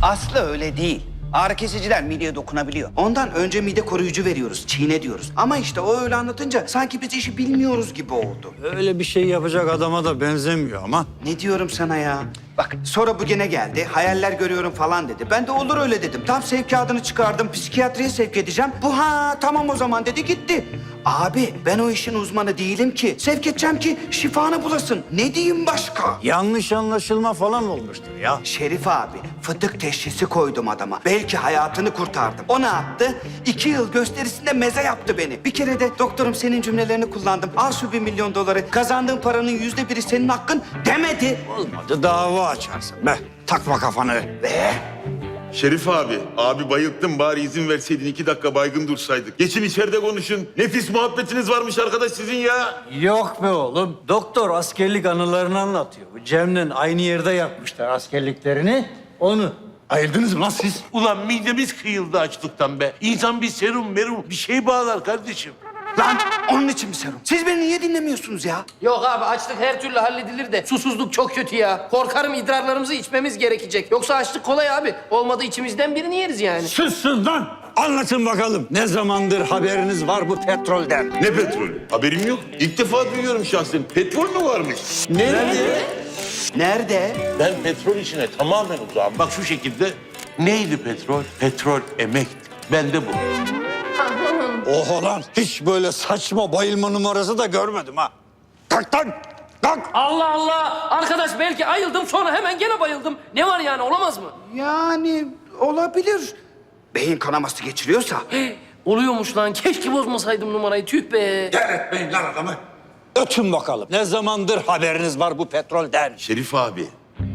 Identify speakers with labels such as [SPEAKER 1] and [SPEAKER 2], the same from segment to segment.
[SPEAKER 1] Aslı öyle değil. Ağrı kesiciler mideye dokunabiliyor. Ondan önce mide koruyucu veriyoruz, çiğne diyoruz. Ama işte o öyle anlatınca sanki biz işi bilmiyoruz gibi oldu.
[SPEAKER 2] Öyle bir şey yapacak adama da benzemiyor ama.
[SPEAKER 1] Ne diyorum sana ya? Bak sonra bu gene geldi, hayaller görüyorum falan dedi. Ben de olur öyle dedim. Tam sevkiyatını çıkardım, psikiyatriye sevk edeceğim. Bu tamam o zaman dedi gitti. Abi ben o işin uzmanı değilim ki. Sevk edeceğim ki şifanı bulasın. Ne diyeyim başka?
[SPEAKER 2] Yanlış anlaşılma falan olmuştur ya.
[SPEAKER 1] Şerif abi, fıtık teşhisi koydum adama. Belki hayatını kurtardım. O ne yaptı? 2 yıl gösterisinde meze yaptı beni. Bir kere de doktorum senin cümlelerini kullandım. Al şu $1 milyon. Kazandığın paranın %1'i senin hakkın demedi.
[SPEAKER 2] Olmadı dava açarsın be. Takma kafanı.
[SPEAKER 1] Ve
[SPEAKER 3] Şerif abi bayılttım bari izin verseydin 2 dakika baygın dursaydık. Geçin içeride konuşun. Nefis muhabbetiniz varmış arkadaş sizin ya.
[SPEAKER 2] Yok be oğlum. Doktor askerlik anılarını anlatıyor. Bu Cem'le aynı yerde yapmışlar askerliklerini. Onu. Ayırdınız mı lan siz?
[SPEAKER 4] Ulan midemiz kıyıldı açlıktan be. İnsan bir serum bir şey bağlar kardeşim.
[SPEAKER 1] lan onun için mi serum? Siz beni niye dinlemiyorsunuz ya?
[SPEAKER 5] Yok abi açlık her türlü halledilir de susuzluk çok kötü ya. Korkarım idrarlarımızı içmemiz gerekecek. Yoksa açlık kolay abi. Olmadı içimizden birini yeriz yani.
[SPEAKER 2] Sussun lan! Anlatın bakalım. Ne zamandır haberiniz var bu petrolden?
[SPEAKER 3] Ne petrolü? Haberim yok. İlk defa duyuyorum şahsen. Petrol mü varmış?
[SPEAKER 1] Nerede?
[SPEAKER 4] Ben petrol işine tamamen uzağım. Bak şu şekilde neydi petrol? Petrol emekti. Ben de bu.
[SPEAKER 2] Oho lan! Hiç böyle saçma bayılma numarası da görmedim ha. Kalk lan! Kalk!
[SPEAKER 5] Allah Allah! Arkadaş belki ayıldım sonra hemen gene bayıldım. Ne var yani olamaz mı?
[SPEAKER 1] Yani olabilir. Beyin kanaması geçiriyorsa.
[SPEAKER 5] Oluyormuş lan. Keşke bozmasaydım numarayı. Tüh be.
[SPEAKER 2] Etmeyin lan adamı. Ötün bakalım. Ne zamandır haberiniz var bu petrolden?
[SPEAKER 3] Şerif abi.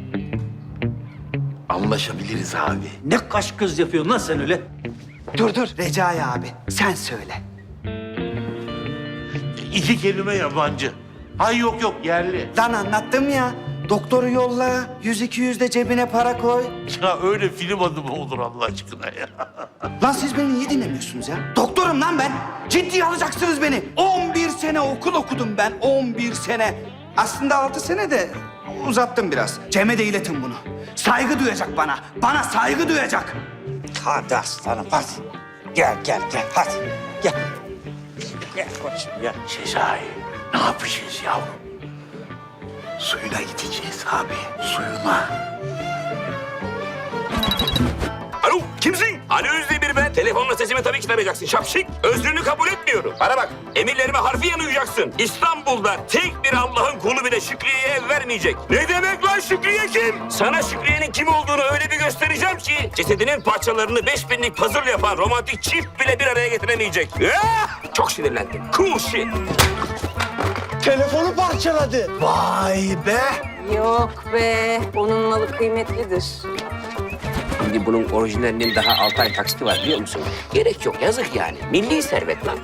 [SPEAKER 3] Anlaşabiliriz abi.
[SPEAKER 2] Ne kaş göz yapıyorsun lan sen öyle?
[SPEAKER 1] Dur Recai abi sen söyle.
[SPEAKER 4] 2 kelime yabancı. Hay yok yerli.
[SPEAKER 1] Lan anlattım ya. Doktoru yolla, 100-200 de cebine para koy.
[SPEAKER 4] Ya öyle film adı mı olur Allah aşkına ya?
[SPEAKER 1] Lan siz beni niye dinlemiyorsunuz ya? Doktorum lan ben. Ciddiye alacaksınız beni. 11 sene okul okudum ben. 11 sene. Aslında 6 sene de uzattım biraz. Cem'e de iletin bunu. Saygı duyacak bana. Bana saygı duyacak.
[SPEAKER 2] Hadi aslanım hadi. Gel hadi. Gel. Gel koçum gel.
[SPEAKER 4] Sezai, ne yapacağız yavrum? Suyuna gideceğiz abi, suyuna.
[SPEAKER 6] Alo, kimsin? Ali Özdemir ben. Telefonla sesimi tabii ki tanıyacaksın. Şapşik. Özrünü kabul etmiyorum. Bana bak, emirlerime harfiyen uyacaksın. İstanbul'da tek bir Allah'ın kulu bile Şükriye'ye ev vermeyecek. Ne demek lan Şükriye kim? Sana Şükriye'nin kim olduğunu öyle bir göstereceğim ki... ...cesedinin parçalarını 5000'lik puzzle yapan romantik çift bile bir araya getiremeyecek. Çok sinirlendim. Cool shit.
[SPEAKER 2] Telefonu parçaladı. Vay be.
[SPEAKER 7] Yok be, onun malı kıymetlidir.
[SPEAKER 6] Şimdi bunun orijinalinin daha 6 ay taksiti var biliyor musun? Gerek yok, yazık yani. Milli servet lan.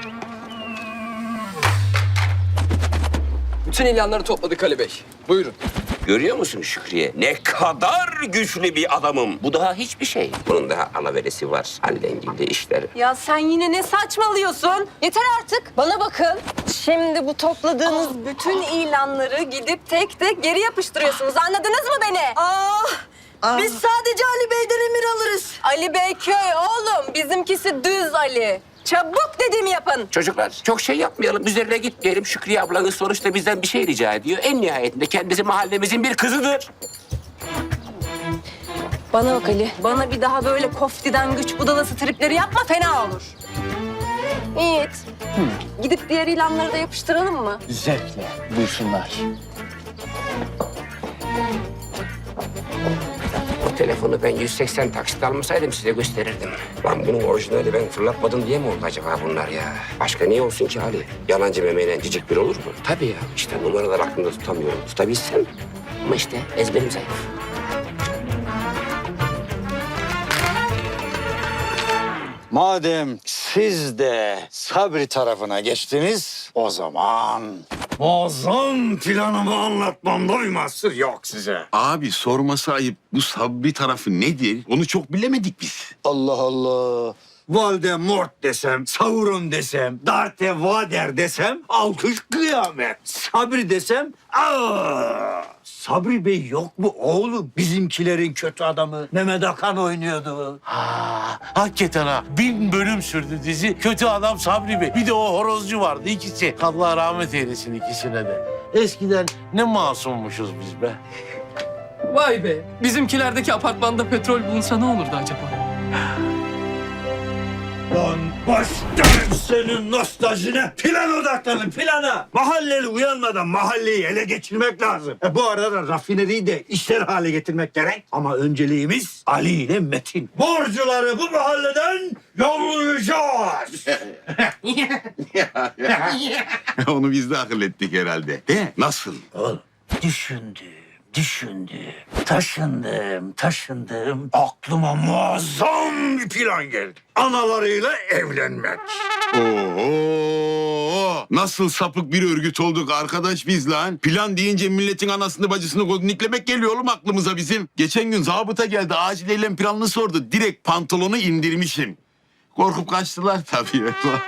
[SPEAKER 8] Bütün ilanları topladık Ali Bey. Buyurun.
[SPEAKER 6] Görüyor musun Şükriye? Ne kadar güçlü bir adamım. Bu daha hiçbir şey. Bunun daha alaveresi var. Hallengilde işler.
[SPEAKER 7] Ya sen yine ne saçmalıyorsun? Yeter artık. Bana bakın. Şimdi bu topladığınız bütün ilanları gidip tek tek geri yapıştırıyorsunuz. Anladınız mı beni? Biz sadece Ali Bey'den emir alırız. Ali Bey köy oğlum. Bizimkisi düz Ali. Çabuk dediğimi yapın.
[SPEAKER 6] Çocuklar çok şey yapmayalım. Üzerine gitmeyelim. Şükriye ablanız sonuçta bizden bir şey rica ediyor. En nihayetinde kendisi mahallemizin bir kızıdır.
[SPEAKER 7] Bana bak Ali. Bana bir daha böyle koftiden güç budalası tripleri yapma fena olur. Yiğit. Gidip diğer ilanları da yapıştıralım mı?
[SPEAKER 2] Zevkle buyursunlar.
[SPEAKER 6] O telefonu ben 180 taksit almasaydım size gösterirdim. Lan bunun orijinali ben fırlatmadım diye mi oldu acaba bunlar ya? Başka niye olsun ki Ali? Yalancı memeyle cicik bir olur mu? Tabii ya. İşte numaralar aklımda tutamıyorum. Tutabilsem. Ama işte ezberim zayıf.
[SPEAKER 2] Madem siz de Sabri tarafına geçtiniz, o zaman muazzam planımı anlatmamda mahsur yok size.
[SPEAKER 3] Abi sorması ayıp. Bu Sabri tarafı nedir? Onu çok bilemedik biz.
[SPEAKER 9] Allah Allah.
[SPEAKER 2] Voldemort desem, Sauron desem, Darth Vader desem alkış kıyamet. Sabri desem Sabri Bey yok mu oğlum? Bizimkilerin kötü adamı Mehmet Akan oynuyordu.
[SPEAKER 4] Hakikaten ha. 1000 bölüm sürdü dizi. Kötü adam Sabri Bey. Bir de o horozcu vardı ikisi. Allah rahmet eylesin ikisine de. Eskiden ne masummuşuz biz be.
[SPEAKER 8] Vay be. Bizimkilerdeki apartmanda petrol bulunsa ne olurdu acaba?
[SPEAKER 2] Lan başlarım senin nostaljine. Plan odaklanın plana. Mahalleli uyanmadan mahalleyi ele geçirmek lazım. Bu arada rafineriyi de işler hale getirmek gerek. Ama önceliğimiz Ali ile Metin. Borcuları bu mahalleden yollayacağız.
[SPEAKER 3] Onu biz de akıl ettik herhalde. De nasıl?
[SPEAKER 2] Oğlum düşündüm. Taşındım. Aklıma muazzam bir plan geldi. Analarıyla evlenmek.
[SPEAKER 3] Oo, nasıl sapık bir örgüt olduk arkadaş biz lan. Plan deyince milletin anasını bacısını godniklemek geliyor oğlum aklımıza bizim. Geçen gün zabıta geldi acil eylem planını sordu. Direkt pantolonu indirmişim. Korkup kaçtılar tabii.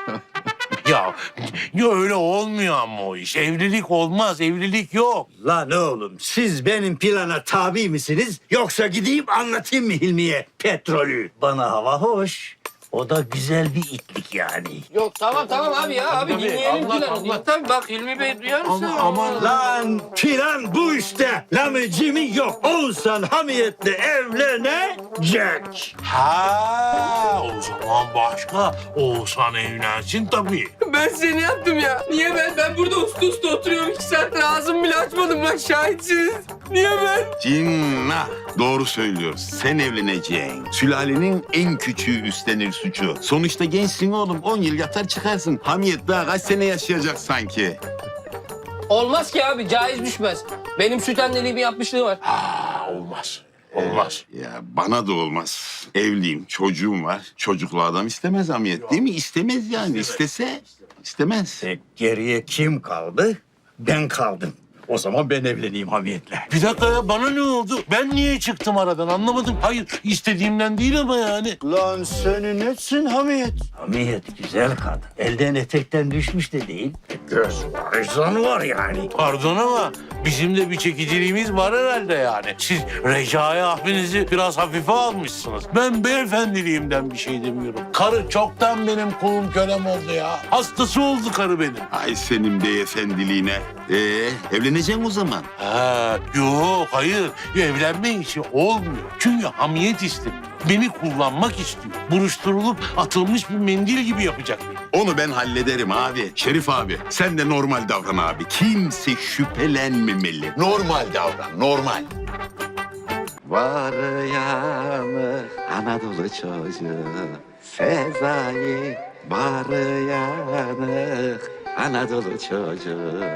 [SPEAKER 4] Ya öyle olmuyor ama o iş. Evlilik olmaz, evlilik yok.
[SPEAKER 2] Lan oğlum siz benim plana tabi misiniz? Yoksa gideyim anlatayım mı Hilmi'ye petrolü? Bana hava hoş. O da güzel bir itlik yani.
[SPEAKER 5] Yok tamam abi ya. Abi
[SPEAKER 4] Tabii,
[SPEAKER 5] dinleyelim
[SPEAKER 4] Allah,
[SPEAKER 5] planı.
[SPEAKER 4] Allah.
[SPEAKER 5] Tabii bak Hilmi Bey duyar mısın?
[SPEAKER 4] Aman.
[SPEAKER 2] Lan plan bu işte. Lamıcımı yok. Oğuzhan hamiyetle evlenecek.
[SPEAKER 4] Ha, o zaman başka. Oğuzhan evlensin tabii.
[SPEAKER 8] Ben seni yaptım ya. Niye ben? Ben burada usta oturuyorum. 2 saattir ağzımı bile açmadım. Bak şahitsiniz. Niye ben?
[SPEAKER 3] Cinnah. Doğru söylüyoruz. Sen evleneceksin. Sülalenin en küçüğü üstlenir suçu. Sonuçta gençsin oğlum. 10 yıl yatar çıkarsın. Hamiyet daha kaç sene yaşayacak sanki.
[SPEAKER 5] Olmaz ki abi. Caiz düşmez. Benim süt anneliğimi yapmışlığı var.
[SPEAKER 4] Olmaz. Olmaz.
[SPEAKER 3] Ya bana da olmaz. Evliyim, çocuğum var. Çocuklu adam istemez Hamiyet değil mi? İstemez yani. İstese istemez.
[SPEAKER 2] Geriye kim kaldı? Ben kaldım. O zaman ben evleneyim hamiyetle.
[SPEAKER 4] Bir dakika ya bana ne oldu? Ben niye çıktım aradan anlamadım. Hayır istediğimden değil ama yani.
[SPEAKER 2] Lan senin etsin Hamiyet. Hamiyet güzel kadın. Elden etekten düşmüş de değil. Göz var, izan var yani.
[SPEAKER 4] Pardon ama bizim de bir çekiciliğimiz var herhalde yani. Siz Recai abinizi biraz hafife almışsınız. Ben beyefendiliğimden bir şey demiyorum. Karı çoktan benim kulum kölem oldu ya. Hastası oldu karı benim.
[SPEAKER 3] Ay senin beyefendiliğine. Evleneceksin o zaman.
[SPEAKER 4] Ha, yok hayır. Evlenme işi olmuyor. Çünkü hamiyet istemiyor. Beni kullanmak istiyor. Buruşturulup atılmış bir mendil gibi yapacak beni.
[SPEAKER 3] Onu ben hallederim abi. Şerif abi sen de normal davran abi. Kimse şüphelenmemeli. Normal davran, normal.
[SPEAKER 9] Var yanı Anadolu çocuğu Sezai var yanı Anadolu çocuğu